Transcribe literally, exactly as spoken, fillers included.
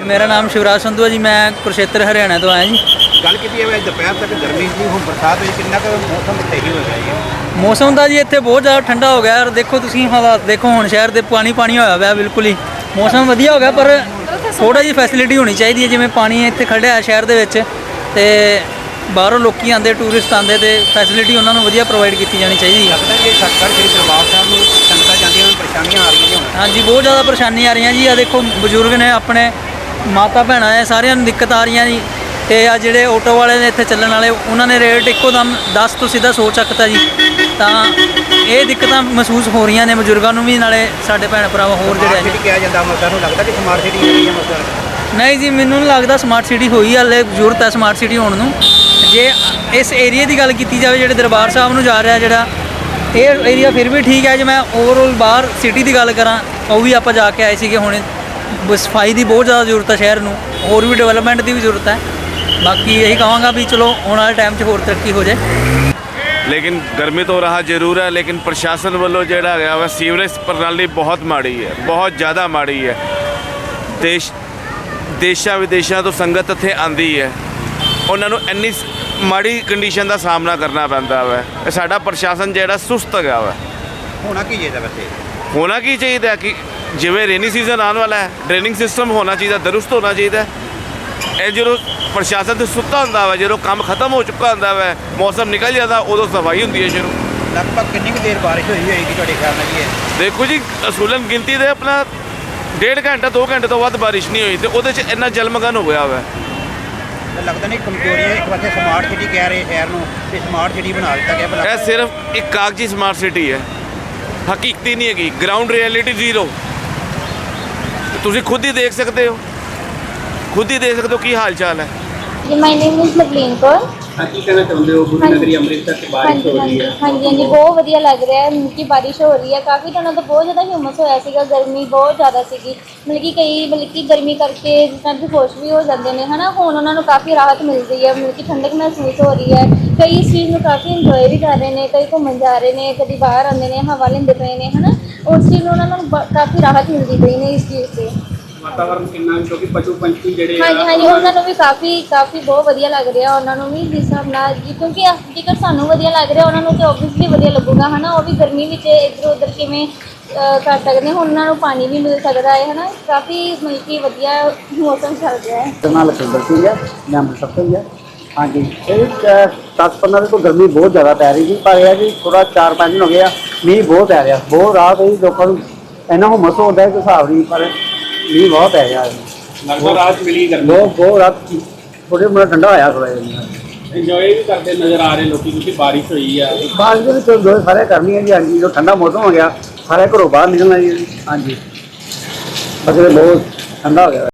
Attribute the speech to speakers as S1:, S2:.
S1: मेरा नाम शिवराज संधू है जी। मैं कुरुक्षेत्र हरियाणा तो आया जी।
S2: गल की दोपहर तक गर्मी थी, हुण बरसात हुई, कितना क मौसम सही हो गया जी?
S1: मौसम का जी इत्थे बहुत ज़्यादा ठंडा हो गया। देखो तुसीं हालात देखो, हुण शहर दे पानी पानी होया पिया बिल्कुल ही। मौसम वधिया हो गया पर थोड़ा जी फैसिलिटी होनी चाहिए है। जिवें पानी इत्थे खड़िया शहर दे विच ते बाहरों लोग आते, टूरिस्ट आते, तो फैसिलिटी उन्होंने वधिया प्रोवाइड की जानी चाहिए।
S2: लगता है कि सतगढ़ श्री दरबार साहब में संगतां जांदियां होण परेशानियां आ रही हैं?
S1: हाँ जी, बहुत ज़्यादा परेशानी आ रही जी। आ देखो बजुर्ग ने, अपने माता भैन है, सारिਆਂ ਨੂੰ दिक्कत आ रही जी। तो आ ਜਿਹੜੇ ऑटो वाले ने इत्थे ਚੱਲਣ वाले, उन्होंने रेट ਇੱਕੋ दम दस तो सीधा सौ ਚੱਕਤਾ जी। ਤਾਂ ਇਹ ਦਿੱਕਤਾਂ ਮਹਿਸੂਸ ਹੋ ਰਹੀਆਂ ਨੇ ਬਜ਼ੁਰਗਾਂ ਨੂੰ ਵੀ, ਨਾਲੇ ਸਾਡੇ ਭੈਣ ਭਰਾ ਹੋਰ ਜਿਹੜੇ
S2: ਨੇ। ਕਿਹਾ ਜਾਂਦਾ ਅੰਮ੍ਰਿਤਸਰ ਨੂੰ ਲੱਗਦਾ ਕਿ ਸਮਾਰਟ ਸਿਟੀ ਹੋ ਰਹੀ ਹੈ ਅੰਮ੍ਰਿਤਸਰ?
S1: ਨਹੀਂ ਜੀ, ਮੈਨੂੰ ਨਹੀਂ ਲੱਗਦਾ ਸਮਾਰਟ ਸਿਟੀ ਹੋਈ, ਹਾਲੇ ਜ਼ਰੂਰਤ ਹੈ ਸਮਾਰਟ ਸਿਟੀ ਹੋਣ ਨੂੰ। ਜੇ ਇਸ ਏਰੀਏ ਦੀ ਗੱਲ ਕੀਤੀ ਜਾਵੇ ਜਿਹੜੇ ਦਰਬਾਰ ਸਾਹਿਬ ਨੂੰ ਜਾ ਰਿਹਾ ਜਿਹੜਾ, ਇਹ ਏਰੀਆ ਫਿਰ ਵੀ ਠੀਕ ਹੈ। ਜੇ ਮੈਂ ਓਵਰਆਲ ਬਾਹਰ ਸਿਟੀ ਦੀ ਗੱਲ ਕਰਾਂ, ਉਹ ਵੀ ਆਪਾਂ ਜਾ ਕੇ ਆਏ ਸੀਗੇ ਹੁਣੇ। ਸਫਾਈ ਦੀ ਬਹੁਤ ਜ਼ਿਆਦਾ ਜ਼ਰੂਰਤ ਹੈ ਸ਼ਹਿਰ ਨੂੰ, ਹੋਰ ਵੀ ਡਿਵੈਲਪਮੈਂਟ ਦੀ ਵੀ ਜ਼ਰੂਰਤ ਹੈ। ਬਾਕੀ ਇਹੀ ਕਹਾਂਗਾ ਵੀ ਚਲੋ ਆਉਣ ਵਾਲੇ ਟਾਈਮ 'ਚ ਹੋਰ ਤਰੱਕੀ ਹੋ ਜਾਏ।
S3: लेकिन गर्मी तो रहा जरूर है, लेकिन प्रशासन वालों जोड़ा गया वा सीवरेज प्रणाली बहुत माड़ी है, बहुत ज़्यादा माड़ी है। देश देशा विदेशों तो संगत इत्थे आंदी है, उन्होंने इन्नी माड़ी कंडीशन का सामना करना पैंदा वा। साडा प्रशासन जोड़ा सुस्त गया वा।
S2: होना की चाहिए वैसे?
S3: होना की चाहिए कि जिवें रेनी सीजन आने वाला है, ड्रेनिंग सिस्टम होना चाहिए, दुरुस्त होना चाहिए। ਇਹ ਜਦੋਂ ਪ੍ਰਸ਼ਾਸਨ ਤੇ ਸੁੱਤਾ ਹੁੰਦਾ ਵਾ, ਜਦੋਂ ਕੰਮ ਖਤਮ ਹੋ ਚੁੱਕਾ ਹੁੰਦਾ ਵਾ, ਮੌਸਮ ਨਿਕਲ ਜਾਂਦਾ, ਉਦੋਂ ਸਫਾਈ ਹੁੰਦੀ ਹੈ ਸ਼ੁਰੂ।
S2: ਲਗਭਗ ਕਿੰਨੀ ਕੁ ਦੇਰ ਬਾਰਿਸ਼ ਹੋਈ ਹੋਏਗੀ ਤੁਹਾਡੇ ਖਿਆਲ ਨਾਲ ਜੀ?
S3: ਦੇਖੋ ਜੀ, ਅਸੂਲਨ ਗਿਣਤੀ ਦੇ ਆਪਣਾ ਡੇਢ ਘੰਟਾ ਦੋ ਘੰਟੇ ਤੋਂ ਵੱਧ ਬਾਰਿਸ਼ ਨਹੀਂ ਹੋਈ, ਤੇ ਉਹਦੇ 'ਚ ਇੰਨਾ ਜਲਮਗਨ ਹੋ ਗਿਆ ਵਾ।
S2: ਲੱਗਦਾ ਨਹੀਂ ਕਮਜ਼ੋਰੀਆਂ, ਇੱਕ ਪਾਸੇ ਸਮਾਰਟ ਸਿਟੀ ਕਹਿ ਰਹੇ ਸ਼ਹਿਰ ਨੂੰ, ਤੇ ਸਮਾਰਟ ਸਿਟੀ ਬਣਾ ਦਿੱਤਾ ਗਿਆ।
S3: ਇਹ ਸਿਰਫ ਇੱਕ ਕਾਗਜ਼ੀ ਸਮਾਰਟ ਸਿਟੀ ਹੈ, ਹਕੀਕਤੀ ਨਹੀਂ ਹੈਗੀ। Ground reality zero. ਤੁਸੀਂ ਖੁਦ ਹੀ ਦੇਖ ਸਕਦੇ ਹੋ, खुद ही देख सकते हो की हाल चाल है।
S4: जी, my name is Lovleen Kaur.
S2: हाँ, की कहना चाहते हो? गुरु नगरी अमृतसर से बारिश हो रही है।
S4: हाँ जी, हाँ जी, बहुत वधिया लग रहा है कि बारिश हो रही है। काफ़ी दिनों तो बहुत ज़्यादा ह्यूमस होया सीगा, गर्मी बहुत ज़्यादा सीगी। मतलब कि कई मतलब कि गर्मी करके जिस टाइम बेहोश भी हो जाते हैं है ना, हुण उन्होंने काफ़ी राहत मिल रही है। मतलब कि ठंडक महसूस हो रही है। कई इस चीज़ में काफ़ी इंजॉय भी कर रहे हैं, कई घूमन जा रहे हैं, कभी बाहर आते हैं, हवा लेंदे पे ने है ना। उस चीज़ में उन्होंने काफ़ी राहत मिलती पई ने इस चीज़ से।
S2: वातावरण कितना, क्योंकि पशु पंछी ਜਿਹੜੇ
S4: हाँ जी, हाँ जी, उन्होंने भी काफ़ी काफ़ी बहुत वधिया लग रहा उन्होंने भी जिस हिसाब नाल जी, क्योंकि जेकर सानू वधिया लग रहा उन्होंने तो ओबवियसली वधिया लगूगा है ना। वो भी गर्मी में इधर उधर किवें कर सकते हैं, उन्होंने पानी भी मिल सकता है है ना। काफ़ी मतलब कि वधिया मौसम चल रहा है।
S5: नाम लखविंदर सिंह है, मैं अमृतसर से ही है। हाँ जी, दस पंद्रह दिन तो गर्मी बहुत ज़्यादा पै रही थी, पर यह कि थोड़ा चार पाँच दिन हो गया मीह बहुत पै रहा, बहुत रात हुई लोगों को। इन्ना हुमस होता है कोई हिसाब नहीं, पर मीह बहुत पै गया।
S2: लगभग रात मिली गर्मी,
S5: बहुत बहुत रात थोड़ी मोटा ठंडा होया थोड़ा जिहा।
S2: इंजॉय भी करते नजर आ रहे लोग क्योंकि बारिश हुई है।
S5: बारिश के तो जो सारे करनी है जी। हाँ जी, जो ठंडा मौसम हो गया सारे घरों बाहर निकलना जी। हाँ जी, बस बहुत ठंडा हो गया।